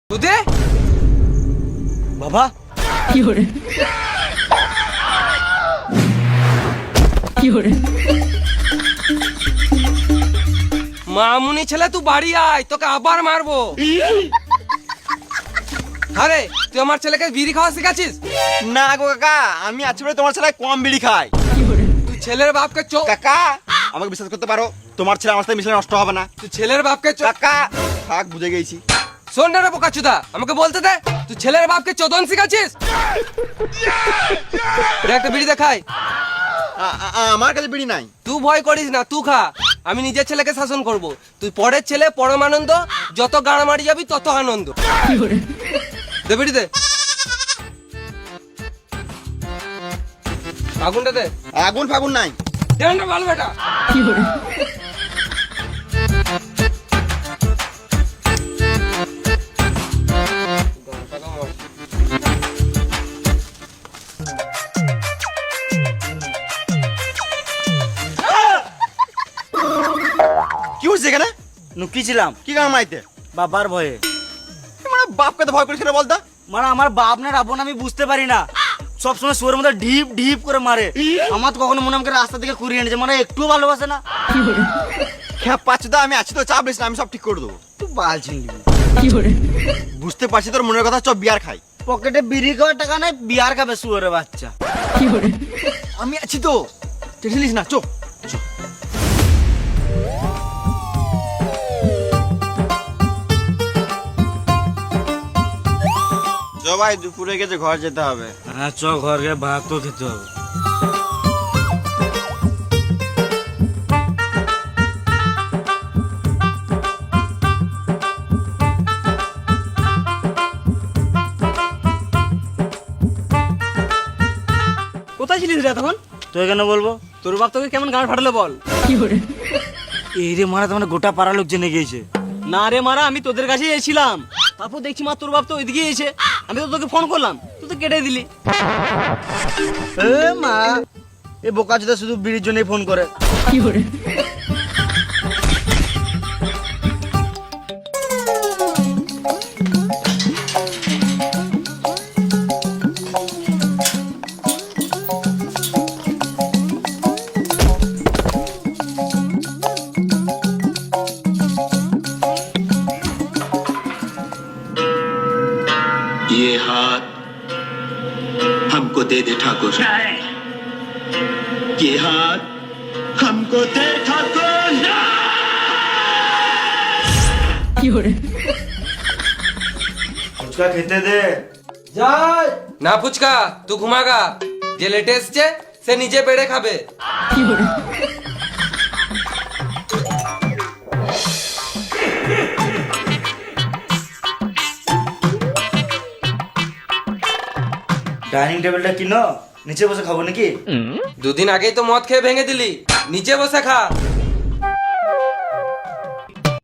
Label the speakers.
Speaker 1: দুধে
Speaker 2: বাবা
Speaker 3: কি করে
Speaker 1: মামুনি ছেলে তুই বাড়ি আয়, তোকে আবার মারবো। আরে তুই আমার ছেলেকে বিড়ি খাওয়া শিখাচ্ছিস?
Speaker 2: না গো কাকা, আমি আছি বলে তোমার ছেলে কম বিড়ি খায়।
Speaker 1: তুই ছেলের বাপকে
Speaker 2: কাকা আমাকে বিশ্বাস করতে পারো, তোমার ছেলে আমার সাথে মিশলে নষ্ট হবে না।
Speaker 1: তুই ছেলের বাপকে
Speaker 2: কাকা থাক, বুঝে গেছি।
Speaker 1: শোন না রে বোকাচুদা, আমাকে বলতে দে, তুই ছেলের বাপকে চোদন শিখাচ্ছিস? রে একটা বিড়ি দেখাই।
Speaker 2: আমার কাছে বিড়ি নাই।
Speaker 1: তুই ভয় করিস না, তুই খা, আমি নিজের ছেলেকে শাসন করব। তুই পরের ছেলে পরমানন্দ, যত গাড়া মারি যাবি তত আনন্দ। দে বিড়ি দে, আগুনটা দে।
Speaker 2: আগুন ফাগুন নাই।
Speaker 1: দেনটা ভালো বেটা।
Speaker 2: কি হচ্ছে এখানে?
Speaker 4: নুকিছিলাম
Speaker 2: কি গান মাইতে?
Speaker 4: বাবার ভয়ে।
Speaker 2: মানে বাপকে তো ভয় করিস না বলতা।
Speaker 4: মানে আমার বাপ না রাবণ আমি বুঝতে পারি না, সবসময় সুরের মধ্যে ঢিপ ঢিপ করে মারে। আমার তো কখনো মনে আমাকে রাস্তা থেকে কুড়িয়ে এনেছে, মানে একটু ভালোবাসে না।
Speaker 2: খ্যাপ পাচ্ছি তো, আমি আছি তো, চাপ নিস না, আমি সব ঠিক করে দেবো।
Speaker 4: তুই বাল ছিনবি।
Speaker 2: বুঝতে পারছি তোর মনের কথা, চপ বিয়ার খাই।
Speaker 4: পকেটে বিড়ি খাওয়ার টাকা নাই, বিয়ার খাবে সুরের বাচ্চা।
Speaker 2: আমি আছি তো, টেনশন না, চো। ভাই দুপুরে গেছে, ঘর যেতে হবে।
Speaker 4: হ্যাঁ চ, ঘর গিয়ে ভাত তো খেতে হবে।
Speaker 5: কোথায় ছিলিস রে তখন?
Speaker 4: তুই কেন বলবো?
Speaker 5: তোর বাপ তোকে কেমন গান ফাটালো বল?
Speaker 4: এই রে মারা, তোমার গোটা পাড়া লোক জেনে গিয়েছে।
Speaker 5: না রে মারা, আমি তোদের কাছেই এসেছিলাম, তারপর দেখছি মা তোর বাপ তো ওইদিকে এসে, আমি তো তোকে ফোন করলাম, তুই তো কেটে দিলি।
Speaker 4: এ মা, এ বোকা চোদা শুধু বিড়ির জন্যই ফোন করে।
Speaker 6: ये हाथ हमको दे दे ठाकुर, ये हाथ हमको दे ठाकुर।
Speaker 4: ফুচকা খেতে দে।
Speaker 1: না ফুচকা, তুই ঘুমাগা। যে লেটে এসছে সে নিজে বেড়ে খাবে।
Speaker 4: ডাইনিং টেবিলটা কিনো, নিচে বসে খাবো নাকি?
Speaker 1: দুদিন আগেই তো মদ খেয়ে ভেঙে দিলি, নিচে বসে খা।